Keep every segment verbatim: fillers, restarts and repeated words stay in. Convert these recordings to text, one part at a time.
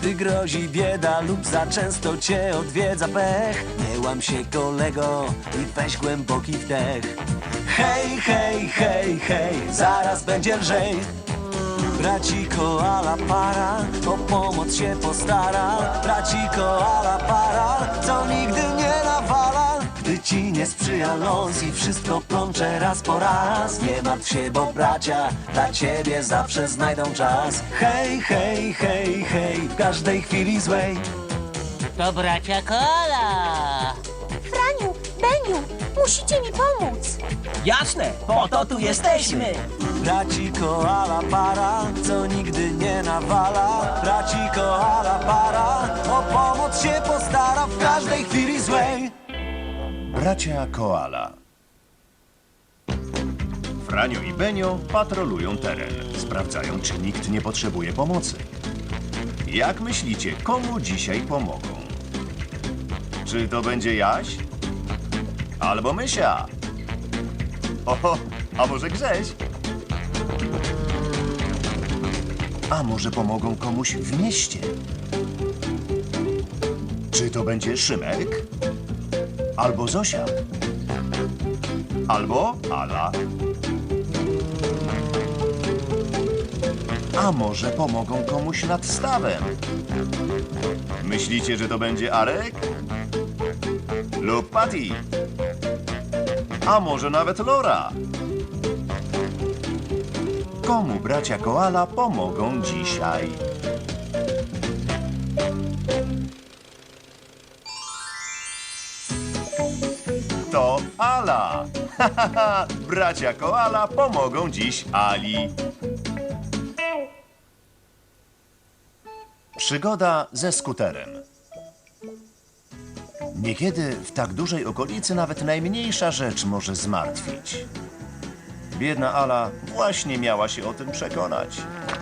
Gdy grozi bieda lub za często cię odwiedza pech, nie łam się, kolego, i weź głęboki wdech. Hej, hej, hej, hej, zaraz będzie lżej. Braci koala para o pomoc się postara. Braci koala para, co nigdy nie nawala. Gdy ci nie sprzyja los i wszystko plącze raz po raz, nie martw się, bo bracia dla ciebie zawsze znajdą czas. Hej, hej, hej, hej, w każdej chwili złej. To bracia Koala. Franiu, Beniu, musicie mi pomóc. Jasne, po to tu jesteśmy. Braci koala para, co nigdy nie nawala. Braci koala para, o pomoc się postara w każdej chwili złej. Bracia Koala. Franio i Benio patrolują teren. Sprawdzają, czy nikt nie potrzebuje pomocy. Jak myślicie, komu dzisiaj pomogą? Czy to będzie Jaś? Albo Mysia? Oho, a może Grześ? A może pomogą komuś w mieście? Czy to będzie Szymek? Albo Zosia? Albo Ala? A może pomogą komuś nad stawem? Myślicie, że to będzie Arek? Lub Patty? A może nawet Lora? Komu bracia Koala pomogą dzisiaj? To Ala! Bracia Koala pomogą dziś Ali. Przygoda ze skuterem. Niekiedy w tak dużej okolicy nawet najmniejsza rzecz może zmartwić. Biedna Ala właśnie miała się o tym przekonać.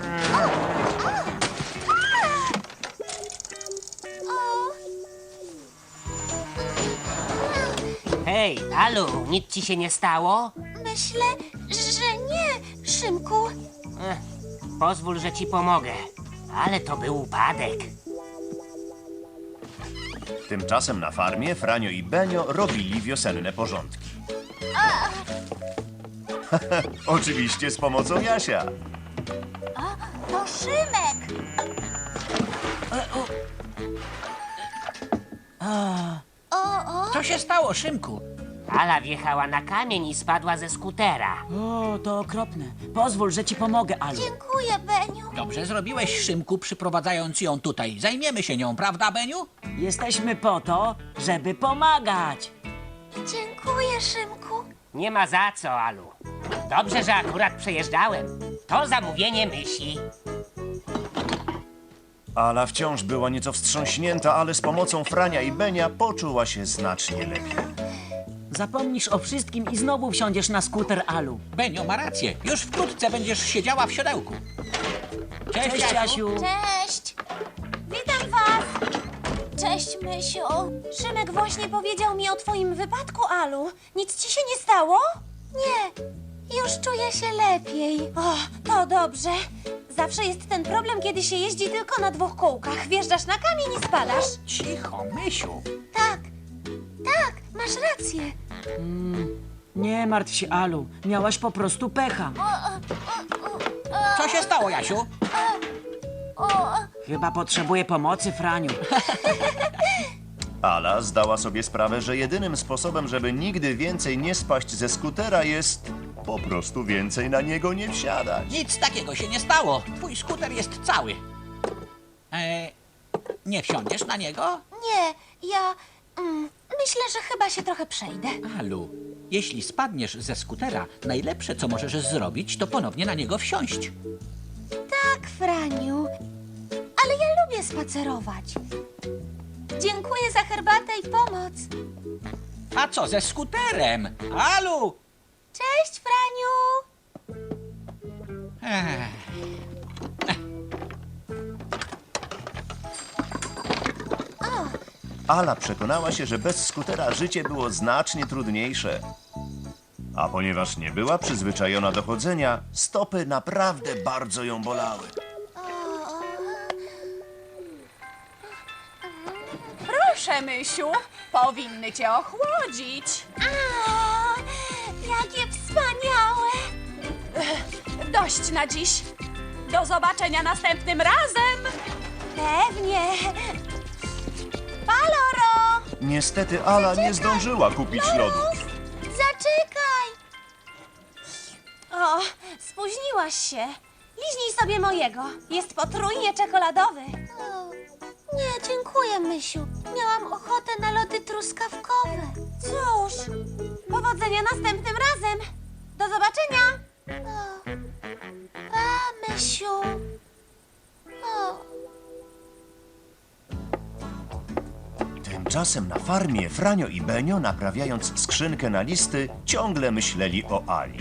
Hej, Alu, nic ci się nie stało? Myślę, że nie, Szymku. Ech, pozwól, że ci pomogę. Ale to był upadek. Tymczasem na farmie Franio i Benio robili wiosenne porządki. Oczywiście z pomocą Jasia. To Szymek. Co się stało, Szymku? Ala wjechała na kamień i spadła ze skutera. O, to okropne. Pozwól, że ci pomogę, Alu. Dziękuję, Beniu. Dobrze zrobiłeś, Szymku, przyprowadzając ją tutaj. Zajmiemy się nią, prawda, Beniu? Jesteśmy po to, żeby pomagać. Dziękuję, Szymku. Nie ma za co, Alu. Dobrze, że akurat przejeżdżałem. To zamówienie Mysi. Ala wciąż była nieco wstrząśnięta, ale z pomocą Frania i Benia poczuła się znacznie lepiej. Zapomnisz o wszystkim i znowu wsiądziesz na skuter, Alu. Benio ma rację. Już wkrótce będziesz siedziała w siodełku. Cześć, Cześć, Jasiu. Cześć. Witam was. Cześć, Mysiu. Szymek właśnie powiedział mi o twoim wypadku, Alu. Nic ci się nie stało? Nie. Już czuję się lepiej. O, to dobrze. Zawsze jest ten problem, kiedy się jeździ tylko na dwóch kółkach. Wjeżdżasz na kamień i spadasz. Cicho, Mysiu. Tak. Tak, masz rację. Nie martw się, Alu. Miałaś po prostu pecha. Co się stało, Jasiu? Chyba potrzebuję pomocy, Franiu. Ala zdała sobie sprawę, że jedynym sposobem, żeby nigdy więcej nie spaść ze skutera, jest po prostu więcej na niego nie wsiadać. Nic takiego się nie stało. Twój skuter jest cały. E, nie wsiądziesz na niego? Nie, ja... Mm, myślę, że chyba się trochę przejdę. Alu, jeśli spadniesz ze skutera, najlepsze, co możesz zrobić, to ponownie na niego wsiąść. Tak, Franiu. Ale ja lubię spacerować. Dziękuję za herbatę i pomoc. A co ze skuterem? Alu! Cześć, Franiu. Ech. Ala przekonała się, że bez skutera życie było znacznie trudniejsze. A ponieważ nie była przyzwyczajona do chodzenia, stopy naprawdę bardzo ją bolały. Proszę, Mysiu, powinny cię ochłodzić. A, jakie wspaniałe! Dość na dziś. Do zobaczenia następnym razem. Pewnie. Paloro! Niestety Ala nie zdążyła kupić lodów. Zaczekaj! O, spóźniłaś się. Liźnij sobie mojego. Jest potrójnie czekoladowy. Nie, dziękuję, Mysiu. Miałam ochotę na lody truskawkowe. Cóż, powodzenia następnym razem. Do zobaczenia. O, pa, Mysiu. O. Tymczasem na farmie Franio i Benio, naprawiając skrzynkę na listy, ciągle myśleli o Ali.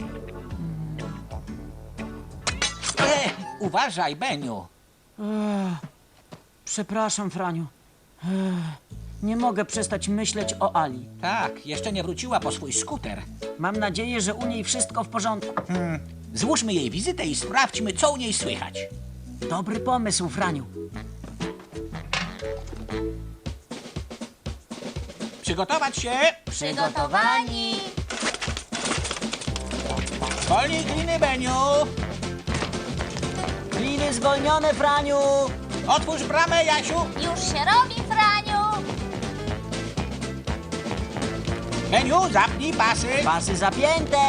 E, uważaj, Beniu. Przepraszam, Franiu. Ech, nie mogę przestać myśleć o Ali. Tak, jeszcze nie wróciła po swój skuter. Mam nadzieję, że u niej wszystko w porządku. Złóżmy jej wizytę i sprawdźmy, co u niej słychać. Dobry pomysł, Franiu. Przygotować się! Przygotowani. Zwolnij gliny, Beniu! Gliny zwolnione, Franiu! Otwórz bramę, Jasiu! Już się robi, Franiu. Beniu, zapnij pasy! Pasy zapięte!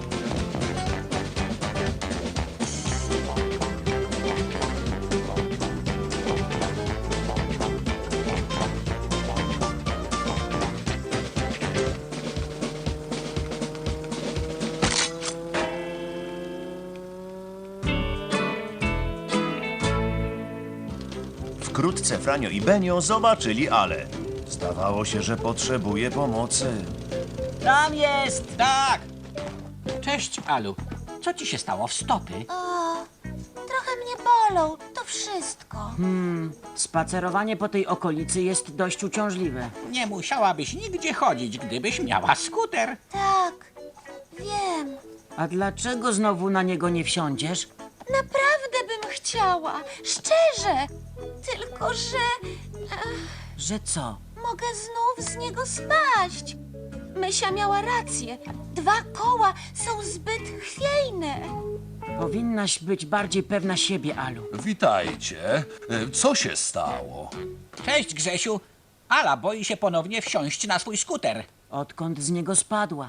Wkrótce Franio i Benio zobaczyli Ale. Zdawało się, że potrzebuje pomocy. Tam jest! Tak! Cześć, Alu. Co ci się stało w stopy? O, trochę mnie bolą. To wszystko. Spacerowanie po tej okolicy jest dość uciążliwe. Nie musiałabyś nigdzie chodzić, gdybyś miała skuter. Tak, wiem. A dlaczego znowu na niego nie wsiądziesz? Naprawdę bym chciała. Szczerze. Tylko, że Że co? mogę znów z niego spaść. Mysia miała rację. Dwa koła są zbyt chwiejne. Powinnaś być bardziej pewna siebie, Alu. Witajcie. E, Co się stało? Cześć, Grzesiu. Ala boi się ponownie wsiąść na swój skuter. Odkąd z niego spadła?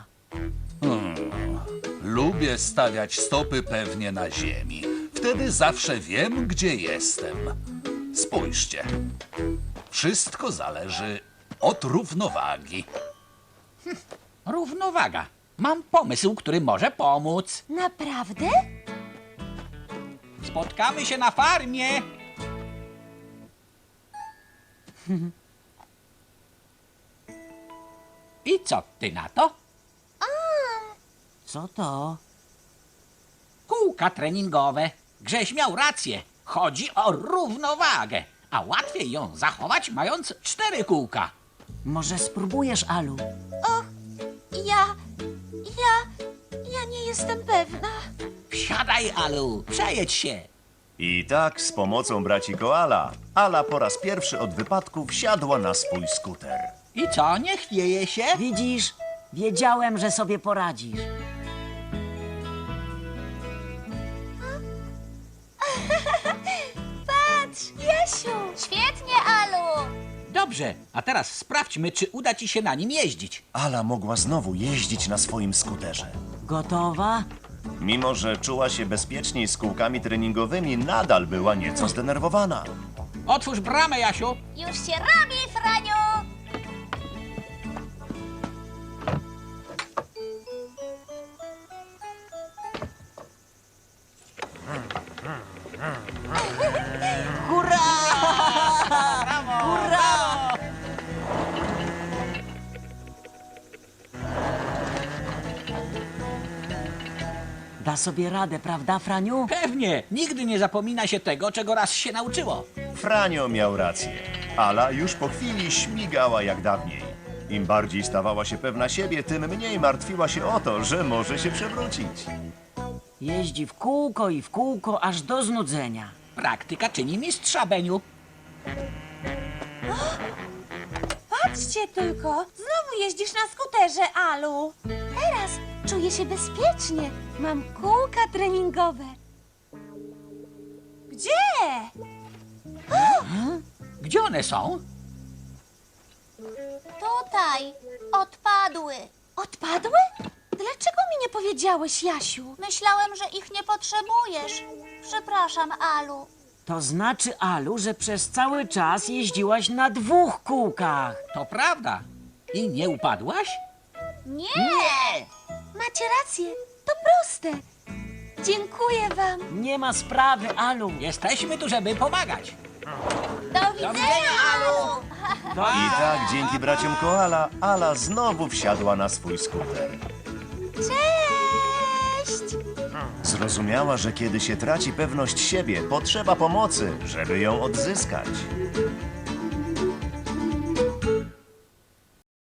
Lubię stawiać stopy pewnie na ziemi. Wtedy zawsze wiem, gdzie jestem. Spójrzcie. Wszystko zależy od równowagi. Równowaga. Mam pomysł, który może pomóc. Naprawdę? Spotkamy się na farmie. I co ty na to? Co to? Kółka treningowe. Grześ miał rację. Chodzi o równowagę. A łatwiej ją zachować, mając cztery kółka. Może spróbujesz, Alu? Och, ja... ja... ja nie jestem pewna. Wsiadaj, Alu. Przejedź się. I tak z pomocą braci Koala, Ala po raz pierwszy od wypadku wsiadła na swój skuter. I co, nie chwieje się? Widzisz? Wiedziałem, że sobie poradzisz. Patrz, Jasiu! Świetnie, Alu! Dobrze, a teraz sprawdźmy, czy uda ci się na nim jeździć. Ala mogła znowu jeździć na swoim skuterze. Gotowa? Mimo że czuła się bezpieczniej z kółkami treningowymi, nadal była nieco zdenerwowana. Otwórz bramę, Jasiu. Już się robi, Franiu! Da sobie radę, prawda, Franiu? Pewnie, nigdy nie zapomina się tego, czego raz się nauczyło. Franio miał rację. Ala już po chwili śmigała jak dawniej. Im bardziej stawała się pewna siebie, tym mniej martwiła się o to, że może się przewrócić. Jeździ w kółko i w kółko, aż do znudzenia. Praktyka czyni mistrza, Beniu. cię tylko. Znowu jeździsz na skuterze, Alu. Teraz czuję się bezpiecznie. Mam kółka treningowe. Gdzie? Gdzie one są? Tutaj. Odpadły. Odpadły? Dlaczego mi nie powiedziałeś, Jasiu? Myślałem, że ich nie potrzebujesz. Przepraszam, Alu. To znaczy, Alu, że przez cały czas jeździłaś na dwóch kółkach. To prawda. I nie upadłaś? Nie! Macie rację. To proste. Dziękuję wam. Nie ma sprawy, Alu. Jesteśmy tu, żeby pomagać. Do widzenia, Alu. I tak dzięki braciom Koala Ala znowu wsiadła na swój skuter. Cześć! Zrozumiała, że kiedy się traci pewność siebie, potrzeba pomocy, żeby ją odzyskać.